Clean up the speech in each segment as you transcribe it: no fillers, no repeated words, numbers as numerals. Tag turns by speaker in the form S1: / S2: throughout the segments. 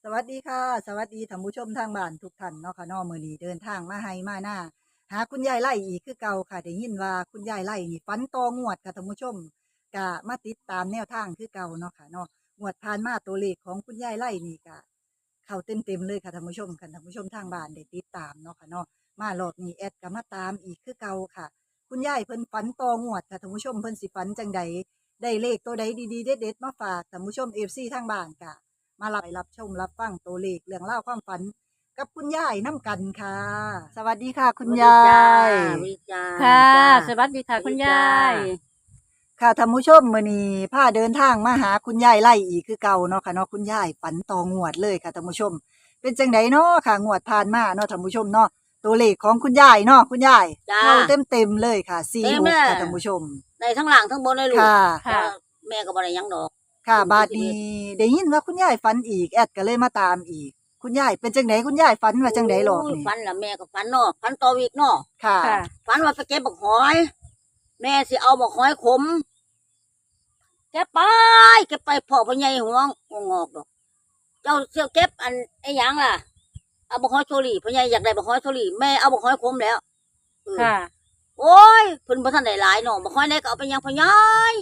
S1: วัสดีค่ะสวัสดีท่านผู้ชมทางบ้านทุกท่านเนาะค่ะเนาะมื้อนี้เดินทางมาไห้มาหน้าหาคุณยายไล่อีกคือเก่าค่ะได้ยินว่าคุณยายไล่นี่ฝันต่องวดค่ะท่านผู้ชมก็มาติดตามแนวทางคือเก่าเนาะค่ะเนาะงวดผ่านมาตัวเลขของคุณยายไล่นี่ก็เข้าเต็มๆเลยค่ะท่านผู้ชมค่ะท่านผู้ชมทางบ้านได้ติดตามเนาะค่ะเนาะมารอบนี้แอดก็มาตามอีกคือเก่าค่ะคุณยายเพิ่นฝันต่องวดค่ะท่านผู้ชมเพิ่นสิฝันจังใดได้เลขตัวใดดีๆเด็ดๆมาฝากท่านผู้ชม FC ทางบ้านค่ะ มารับชมรับฟังตัวเลขเรื่องเล่าวความฝันกับคุณยายน้ำกันค่ะ สวัสดีค่ะ คุณยา
S2: จ้า
S1: ย
S2: วิจ้า
S3: ค่ะ
S2: จ้า
S3: สวัสดีค่ะ
S2: สวัส
S3: คุณ
S2: ดีจ้าย
S3: าย
S1: ค่ะท่านผู้ชมมื้อนี้พาเดินทางมาหาคุณยายไล่อีกคือเก่าเนาะค่ะเนาะคุณยายฝันต่องวดเลยค่ะท่านผู้ชม เป็นจังไดเนาะค่ะงวดผ่านมาเนาะท่านผู้ชมเนาะตัวเลขของคุณยายเนาะคุณยาย
S2: จ้า
S1: เข้าเต็มๆเลยค่ะ4
S2: เต็ม
S1: 6
S2: เลย
S1: ค่ะท่านผู้ชม
S2: ในทั้งหลังทั้งบนเลยลูก
S1: ค่ะ
S3: ค่ะ
S2: แม่ก็บ่ได้หยังดอก
S1: ค่ะ
S2: อืม
S1: บาดนี้ได้ยินว่าคุณยายฝันอีกแอดก็เลยมาตามอีก คุณยายเป็นจังไดคุณยายฝันว่าจังไดหรอก
S2: โย
S1: นี่
S2: ฝันละแม่ก็ฝันเนาะฝันต่อวีกเนาะ
S1: ค่ะ
S3: ค่ะ
S2: ฝันว่าไปเก็บบักหอย แม่สิเอาบักหอยขมเก็บไปพ่อพ่อใหญ่หัวงอกดอก เจ้าเสี่ยวเก็บอันไอ้หยังล่ะเอาบักหอยโชลี่พ่อใหญ่อยากได้บักหอยโชลี่แม่เอาบักหอยขมแล้วเออ
S3: ค่ะ
S2: โอ้ยเพิ่นบ่ทันได้หลายเนาะบ่ค่อยได้ก็เอาไปยังพ่อใหญ่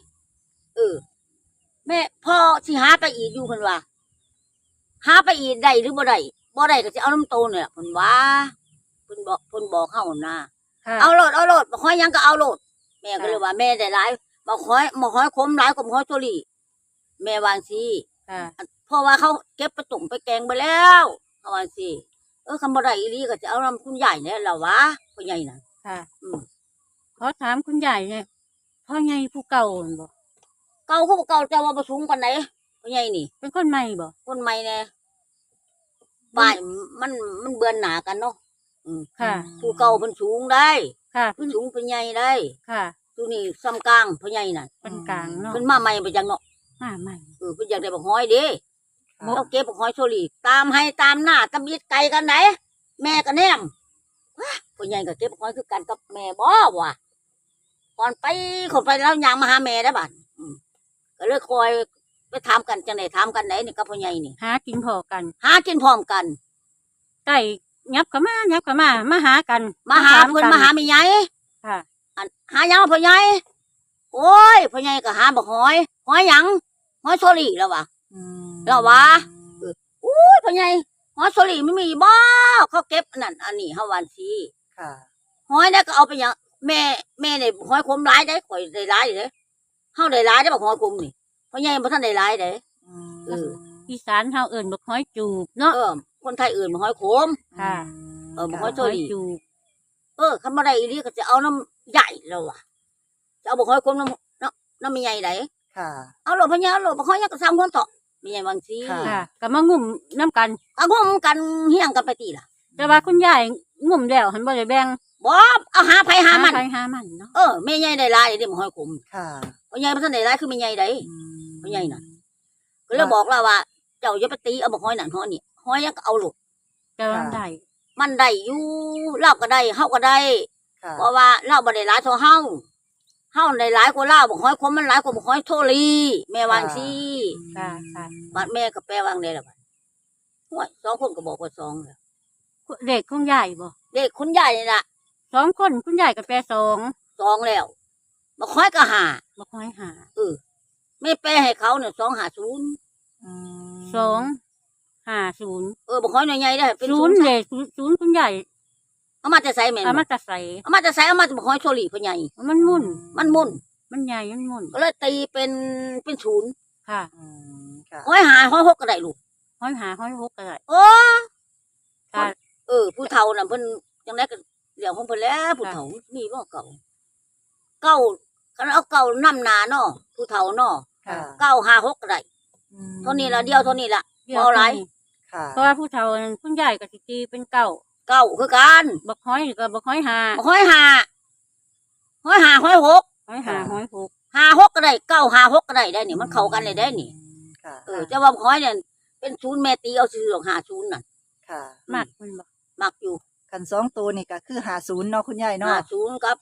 S2: แม่พ่อสิหาไปอีกอยู่เพิ่นว่าหาไปอีกได้หรือบ่ได้บ่ได้ก็สิเอาน้ำโตเนี่ยล่ะเพิ่นว่าเพิ่นบอกเฮานะ
S3: ค่ะ
S2: เอาโลดบ่ค่อยหยังก็เอาโลดแม่ก็เลยว่าแม่ได้หลายบ่ค่อยคมหลายกว่าบ่ค่อยโชลี่แม่วาจั่งซี้
S3: ค่ะ
S2: เพราะว่าเขาเก็บไปตุ่มไปแกงไปแล้วเขาว่าจั่งซี้คำบ่ได้อีหลีก็จะเอาน้ำคุณใหญ่เนี่ยล่ะวะพ่อใหญ่น่ะ
S3: ค่ะ
S2: อืม
S3: ขอถามคุณยายเนี่ยพ่อใหญ่ผู้เก่าหั่นบ่
S2: เก่าคือบ่เก่าแต่ว่าบ่สูงปานใดพ่อใหญ่นี่
S3: เป็นคนใหม่บ่
S2: คนใหม่แน่ป้ายมันเบือนหนากันเนาะ
S3: ค่ะ
S2: ผู้เก่าเพิ่นสูงได้
S3: ค่ะ
S2: เพิ่นสูงเพิ่นใหญ่ได้
S3: ค่ะ
S2: ผู้นี่ซ้ำกลางเพิ่นใหญ่น่ะ
S3: เป็นกลางเนาะ
S2: เพิ่นมาใหม่ไปจังเนาะ
S3: มาใหม่
S2: เพิ่นอยากได้บักหอยเด้
S1: ค่ะ
S2: เอาเก็บบักหอยโชลีตามให้ตามหน้าตำยิดไก่กันไหนแม่ก็แนมว้าเพิ่นใหญ่ก็เก็บบักหอยคือกันกับแม่บ่วะก่อนไปคนไปแล้วยางมาหาแม่ได้อบัดก็เลยคอยไปถามกันจังได๋ถามกันไหนนี่กับพ่อใหญ่นี่
S3: หากินพอกัน
S2: หากินพร้อมกัน
S3: ไก่ยับเข้ามายับเข้ามามาหากัน
S2: มาหา
S3: ถ
S2: เพิ่น
S3: กั
S2: มาหาแม่ใหญ่
S3: ค่ะ
S2: หาหยังพ่อใหญ่โอ้ยพ่อใหญ่ก็หาบักหอยหอยหยังหอยโชลีแล้ววะ
S1: อืม
S2: แล้ววะ อุ้ยพ่อใหญ่หอยโชลีไม่มีบ่เขาเก็บอันนั่นอันนี้เฮาวันซี
S1: ค่ะ
S2: หอยเนี่ยก็เอาไปหยังแม่เนี่ยหอยคมหลายได้ข่อยได้หลายอยู่เด้เฮาได้หลายได้บักหอยคมนี่พ่อใหญ่บ่ทันได้หลายเด้ เออ
S3: อีสานเฮาเอิ้นบักหอยจูบเนาะ
S2: คนไทยอื่นบักหอยขม
S3: ค่ะ
S2: บ่ค่อย
S3: ห
S2: โช
S3: อย
S2: ลี
S3: จูบ
S2: คันบ่ได้อีหลีก็จะเอาน้ำใหญ่แล้วว่ะจะเอาบักหอยคมน้ำไม่ใหญ่ได
S1: ค่ะ
S2: เอาโลดพ่อใหญ่เอาโลดบักหอยยังก็ซ้ำคนเถาะไม่ใหญ่บางซี
S1: ค่ะ
S3: ค่ะก็มางุ่มน้ำกัน
S2: ก็งมกันเฮียงกันไปติล่ะ
S3: แต่ว่าคุณยายงุ่มแล้วหันบ่ได้แบ่ง
S2: บ่เอาหาไผหามัน
S3: ใครหามันเนาะ
S2: แม่ใหญ่ได้หลายเด้บ่หอยขม
S1: ค่ะ
S2: พ่อใหญ่บ่ทันได้หลายคือแม่ใหญ่ได้
S1: อืม
S2: พ่อใหญ่น่ะ ก็เลยบอกแล้วว่า เจ้าอย่าไปตีเอาบักหอยนั่นหอยนี่หอยยังก็เอาโลด
S3: แต่ว่าได้
S2: มันได้อยู่เราก็ได้เฮาก็ได้
S1: ค่ะ
S2: เพราะว่าเราบ่ได้หลายเท่าเฮาได้หลายกว่าเราบักหอยขมมันหลายกว่าบักหอยโทลีแม่วาจั่งซี่
S3: ค่ะค่ะ
S2: บัดแม่ก็แปลว่าจั่งใดล่ะบัดโอ้ยสองคนก็บอกว่าสองแล้ว
S3: เด็กของยายบ่
S2: เด็กคุณยายนี่ล่ะ
S3: สองคนคุณยายก็แปลสอง
S2: สองแล้วบักหอยก็ห้า
S3: บักหอยหา
S2: แม่แปลให้เขาเนี่ย250
S1: อืม
S3: สองห้าศูนย์
S2: บักหอยใหญ่ๆได้เป็น
S3: ศูนย์เลยศูนย์คุณใหญ่
S2: เอามาแต่ใส่แม่น
S3: เอา
S2: บ่
S3: มาจะใส่
S2: เอามาแต่ใส่เอามาแต่บักหอยโชลีพ่อใหญ่
S3: มันมุ่น
S2: มันมุ่น
S3: มันใหญ่มันมุ่น
S2: ก็เลยตีเป็นศูนย์
S3: ค่ะ
S1: อืมค่ะ
S2: หอยหาหอยหกก็ได้ลูก
S3: ห้อยหาห้อยหกก็ได้
S2: โอ้
S3: ค่ะ
S2: ผู้เฒ่าน่ะเพิ่นจังได๋ก็เรื่องของเพิ่นแล้วผู้เฒ่ามีบ่เก่าคันเอาเก่านำหน้าเนาะผู้เฒ่าเนาะ
S1: ค่ะ
S2: 956ก็ได้
S1: อืม
S2: เท่านี้ละเดียวเท่านี้ละ
S3: เดี๋ยว
S2: บ่หลาย
S3: นี้
S1: ค่ะ
S3: เพราะว่าผู้เฒ่านั้นคุณใหญ่ก็สิตีเป็นเก้า
S2: เก้าคือกัน
S3: บักห้อยก็บักห้อยหา
S2: หอยหาหอยหาหอยหก
S3: ห้อยหาห้อยหก
S2: หาหกก็ได้956ก็ได้นี่มันเข้ากันเลยได้นี่
S1: ค่ะ
S2: แต่ว่าหอยเนี่ยเป็นศูนย์แม่ตีเอาซื่อๆ50น่ะ
S1: ค่ะ
S3: มากมันบ่
S2: มักอยู่
S1: คันสองตัวนี่ก็คือ50เนาะคุณยายเนาะ
S2: 50กับ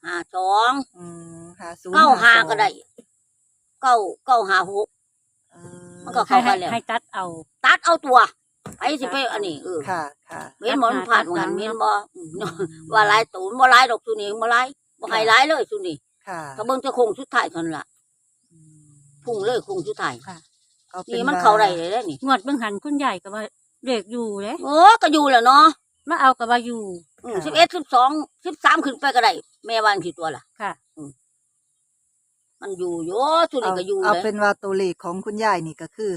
S2: 52
S1: อืม50
S2: 95ก็ได้956
S1: เออ
S2: มันก็เข้ากันแล้ว
S3: ให้ตัดเอา
S2: ตัดเอาตัวไปสิไปอันนี้
S1: ค่ะค่ะ
S2: เว้นหมอนผ่านหันเว้นบ่ว่าหลายตูนบ่หลายดอกซุนี่บ่หลายบ่ให้หลายเลยซุนี่
S1: ค่ะ
S2: ถ้าเบิ่งจะคงสุดท้ายเท่านั้นล่ะพุ่งเลยคงสุดท้าย
S3: ค่ะ
S1: เอาเป็
S2: นี่
S1: น
S2: มัน
S1: ว่า
S2: เข้าได้เลยเด้นี่
S3: งวดเบิ่งหันคุณยายก็ว่าเลขอยู่เด้
S2: ก็อยู่แหล้วเนาะ
S3: มาเอาก็ว่าอยู่
S2: 11 12 13ขึ้นไปก็ได้แม่วันกี่ตัวล่ะ
S3: ค่ะ
S2: มันอยู่โยซุนี่ก็อยู่
S1: เอา
S2: เลย
S1: เป็นว่าตัวเลขของคุณยายนี่ก็คือ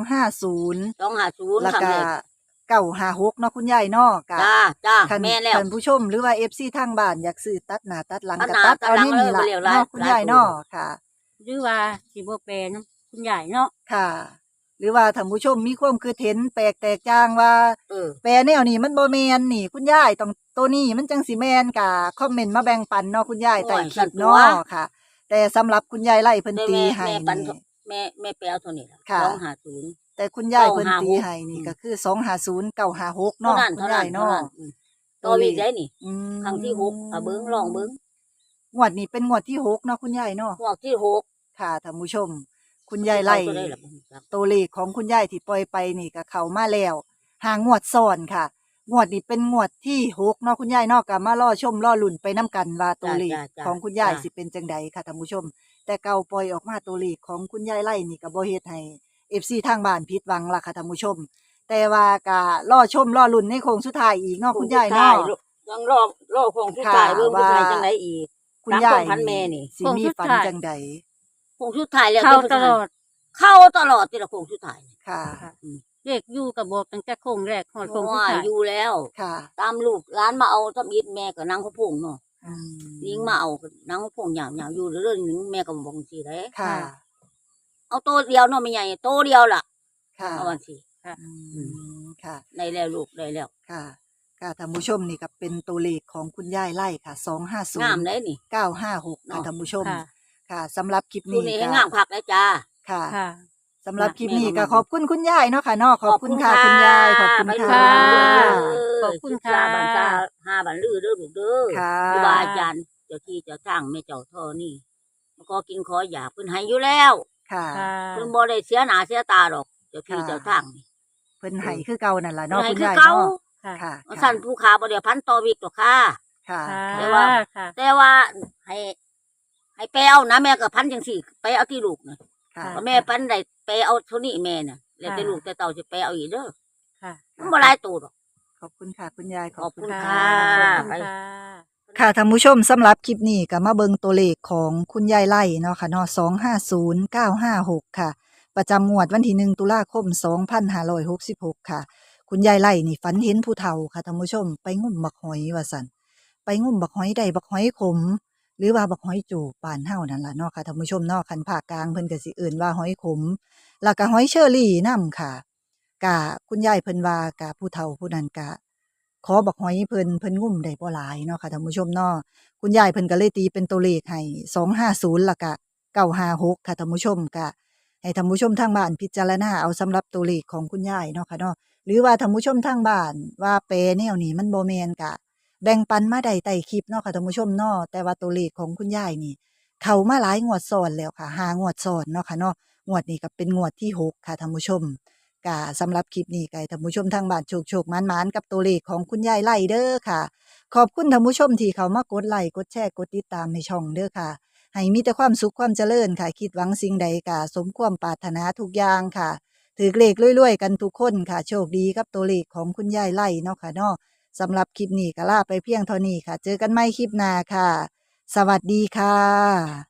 S1: 250
S2: 250
S1: แล้ว
S2: ครั้ง
S1: ก็
S2: แรก
S1: 956เนาะคุณยายเนาะก็
S2: จ้า
S1: คัน
S2: แม่แล้ว
S1: ท่านผู้ชมหรือว่า FC ทางบ้านอยากซื้อตัดหน้าตัดหลัง
S2: ตัด
S1: ก็
S2: หน้า
S1: ตัด
S2: ตัด
S1: เอา
S2: หลัง
S1: นี่นี่ล่ะ
S2: เลยบ่เร็วหลาย
S1: เนาะคุณยายเนาะค่ะ
S3: หรือว่าสิบ่แปลนำคุณยายเนาะ
S1: ค่ะ หรือว่าท่านผู้ชมมีความคิดเห็นแปลกแตกต่างว่า แปลแนวนี้มันบ่แม่นนี่คุณยายต้องตัวนี้มันจังสิแม่นก็คอมเมนต์มาแบ่งปันเนาะคุณยายใต้คลิปเนาะค่ะ แต่สำหรับคุณยายไล่เพิ่นตีให้
S2: แม่ปัน
S1: นี่
S2: แม่แปลเท่านี้ล่ะ
S1: ค่ะ
S2: 250
S1: แต่คุณยายเพิ่นตี
S2: 956
S1: ให้นี่ก็คือ250 956
S2: เท่า
S1: เนาะ
S2: นั้น
S1: คุณ
S2: เท่านั้
S1: ยาน ย
S2: เท่า
S1: เนาะ
S2: นั้นตัวอีกได้นี่
S1: อืม
S2: ครั้งที่6เบิ่งลองเบิ่ง
S1: งวดนี้เป็นงวดที่6เนาะคุณยายเนาะ
S2: พวกที่6
S1: ค่ะท่านผู้ชม คุณยายไล่
S2: ตัวได้ล่ะบ่รู้จัก
S1: ตัวเลขของคุณยายที่ปล่อยไปนี่ก็เข้ามาแล้ว5งวดซ้อนค่ะ งวดนี้เป็นงวดที่6เนาะคุณยายเนาะก็มารอชมรอลุ้นไปนํกันว่าตัวเลขของคุณยายสิเป็นจังใดค่ะท่านผู้ชม แต่เก่าปล่อยออกมาตัวเลขของคุณยายไล่นี่ก็บ่เฮ็ดให้ FC ทางบ้านผิดหวังล่ะค่ะท่านผู้ชม แต่ว่าก็รอชมรอลุ้นในโค้งสุดท้ายอีกเนาะคุณยายเนาะ
S2: ยังรอคงสุดท้าย
S1: ค่ะ
S2: เบิ่งสุดท้าย
S1: ว่า
S2: จังไดอีก
S1: คุณยาย
S2: ตามความพันแม่นี่
S1: สิมีฝันจังใด
S2: คงสุดท้ายแล้ว
S3: เข้าตลอด
S2: เข้าตลอดที่ละคงสุดท้าย
S1: ค่ะ
S3: เลขอยู่ก็บอกตั้งแต่โค้งแรกฮอดโค้งสุด
S2: ว่า
S3: ท้าย
S2: อยู่แล้ว
S1: ค่ะ
S2: ตามลูกร้านมาเอาทับอิดแม่ก็นั่งเขาพงเนาะ
S1: อืม
S2: ยิงมาเอาก็นั่งเขาพงหยาวๆอยู่เรื่อยๆนึงแม่ก็บอกสิได้
S1: ค่ะ
S2: เอาโตเดียวเนาะไม่ใหญ่โตเดียวล่ะ
S1: ค่ะ
S2: เอาวันสิ
S1: อืมค่ะ
S2: ได้แล้วลูกได้แล้ว
S1: ค่ะค่ะท่านผู้ชมนี่ก็เป็นตัวเลขของคุณยายไล่ค่ะ250
S2: งามได้นี่
S1: 956ค่ะท่านผู้ชม
S3: ค่ะ
S1: ค่ะสำหรับคลิป
S2: ดู
S1: นี้
S2: นี่ให้
S1: ก็
S2: งามคักได้จ้า
S1: ค่ะ
S3: ค่ะ
S1: สำหรับคลิปนี้
S2: แม่
S1: ก็
S2: ก็
S1: ขอบคุณคุณยายเนาะค่ะเนาะขอบคุณค่ะ
S2: ขอบคุ
S1: คุณ
S2: ณ
S1: ยายข
S2: ค่ะ
S1: อบคุณ
S2: ไป
S1: ค่ะ
S3: ขอบคุณค่ะ
S2: บันตา5บันลือเด้อลูกเด้อ
S1: ค่ะ
S2: ครูบาอาจารย์เจ้าที่เจ้าทางแม่เจ้าท่อนี่ก็กินขออยากเพิ่นให้อยู่แล้ว
S1: ค่ะ
S3: ค่ะ
S2: เพิ่นบ่ได้เสียหน้าเสียตาดอกเจ้าที่
S1: ค่ะ
S2: เจ้าทางนี่
S1: เพิ่นให้คือเก่านั่นล่ะเนาะ
S2: เพิ่น
S1: คุณ
S2: ให้คื
S1: ยา
S2: อย เก่า
S1: เนาะ
S3: ค่ะ
S1: ค่ะ
S2: ว่าสั่นผู้ขาบ่ได้พันต่อวิกหรอกค่ะ
S1: ค่ะ
S3: ค่ะ
S2: แต่ว่า
S3: ค่ะ
S2: แต่ว่าให้ไปเอานะแม่ก็พันจังซี่ไปเอาที่ลูกน่ะ
S1: ค่ะ
S2: ว่าแม่พันได้ไปเอาเท่านี้แม่น่ะแล้วแต่ลูกแต่เต่าสิไปเอาอีกเด้อ
S3: ค่ะ
S2: มันบ่หลายตัวดอก
S1: ขอบคุณค่ะ คุณยายข
S2: ข
S1: อ
S2: อ
S1: บบ
S2: คุ
S1: คุณ
S2: ณ
S1: ค่ะ
S2: ค่ะ
S3: ขอบคุณค่ะ
S1: ค่ะท่านผู้ชมสำหรับคลิปนี้ก็มาเบิงตัวเลขของคุณยายไล่เนาะค่ะเนาะ250956 ค่ะ ประจำงวดวันที่1ตุลาคม2566 ค่ะ คุณยายไล่นี่ฝันเห็นผู้เฒ่าค่ะท่านผู้ชมไปงุ่มบักหอยว่าซั่นไปงุ่มบักหอยได้บักหอยขม หรือว่าบักหอยจูบบ้านเฮานั่นล่ะเนาะค่ะท่านผู้ชมเนาะคันภาคกลางเพิ่นก็สิเอิ้นว่าหอยขม แล้วก็หอยเชอรี่นำค่ะกะคุณยายเพิ่นว่ากะผู้เฒ่าผู้นั้นกะ ขอบักหอยเพิ่นงุ่มได้บ่หลายเนาะค่ะท่านผู้ชมเนาะคุณยายเพิ่นก็เลยตีเป็นตัวเลขให้250แล้วก็956ค่ะท่านผู้ชมก็ให้ท่านผู้ชมทางบ้านพิจารณาเอาสำหรับตัวเลขของคุณยายเนาะค่ะเนาะหรือว่าท่านผู้ชมทางบ้านว่าแปรแนวนี้มันบ่แม่นก็แบ่งปันมาได้ใต้คลิปเนาะค่ะท่านผู้ชมเนาะแต่ว่าตัวเลขของคุณยายนี่ เข้ามาหลายงวดซ้อนแล้วค่ะ5งวดซ้อนเนาะค่ะเนาะงวดนี้ก็เป็นงวดที่6ค่ะท่านผู้ชม ก็สำหรับคลิปนี้ก็ให้ท่านผู้ชมทางบ้านโชคๆหมานๆกับตัวเลขของคุณยายไล่เด้อค่ะ ขอบคุณท่านผู้ชมที่เขามากดไลค์กดแชร์กดติดตามในช่องเด้อค่ะ ให้มีแต่ความสุขความเจริญค่ะ คิดหวังสิ่งใดก็สมความปรารถนาทุกอย่างค่ะถือเลขรวยๆกันทุกคนค่ะ โชคดีกับตัวเลขของคุณยายไล่เนาะค่ะเนาะสำหรับคลิปนี้ก็ลาไปเพียงเท่านี้ค่ะ เจอกันใหม่คลิปหน้าค่ะ สวัสดีค่ะ